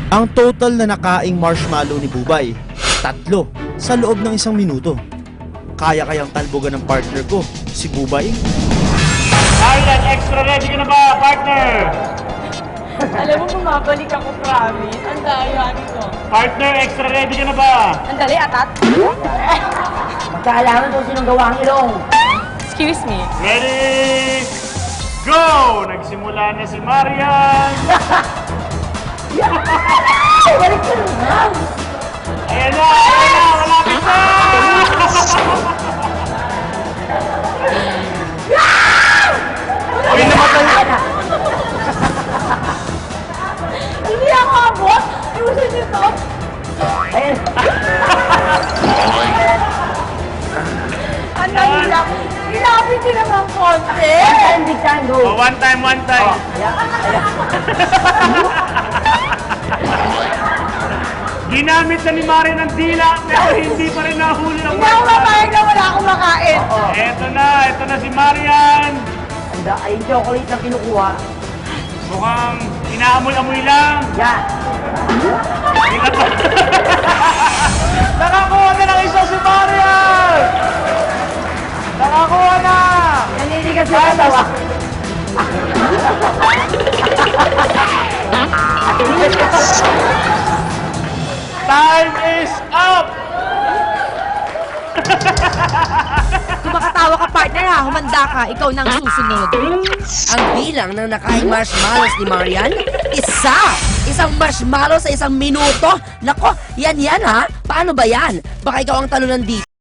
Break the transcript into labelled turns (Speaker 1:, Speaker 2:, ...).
Speaker 1: Ang total na nakaing marshmallow ni Bubay, 3 sa loob ng 1 minuto. Kaya kayang talbogan ng partner ko, si Bubay?
Speaker 2: Arlan, extra ready ka na ba, partner?
Speaker 3: Alam mo, bumabalik ako, promise. Ang daya nito.
Speaker 2: Partner, extra ready ka na ba?
Speaker 3: Ang dali, atat.
Speaker 4: Magkaalaman kung sinong gawa ang ilong.
Speaker 3: Excuse me.
Speaker 2: Ready, go! Nagsimula na si Marian.
Speaker 4: Balik ka naman!
Speaker 2: Ayan na, malapit na!
Speaker 1: Uy, namatay!
Speaker 3: Hindi ako abot. Ayusin niyo to.
Speaker 4: Ayun.
Speaker 3: Ang dali lang. Ilapit niyo naman konti.
Speaker 4: Time, big time, go.
Speaker 2: Oh, one time. Ginamit na ni Marian ng dila, pero hindi pa rin nahuli ng
Speaker 3: Hindi ako mapayag na wala akong makain.
Speaker 2: Ito na si Marian.
Speaker 4: Ay, yung chocolate na kinukuha.
Speaker 2: Mukhang inaamoy-amoy lang.
Speaker 4: Yan.
Speaker 2: Nakakuha na ng isa si Marian! Nakakuha na!
Speaker 4: Naninigas na katawa.
Speaker 2: Time is up!
Speaker 3: Kung makatawa ka, partner ha, humanda ka, ikaw nang susunod.
Speaker 5: Ang bilang ng nakaing marshmallows ni Marian, isa! Isang marshmallow sa 1 minuto? Nako, yan ha? Paano ba yan? Baka ikaw ang talunan dito.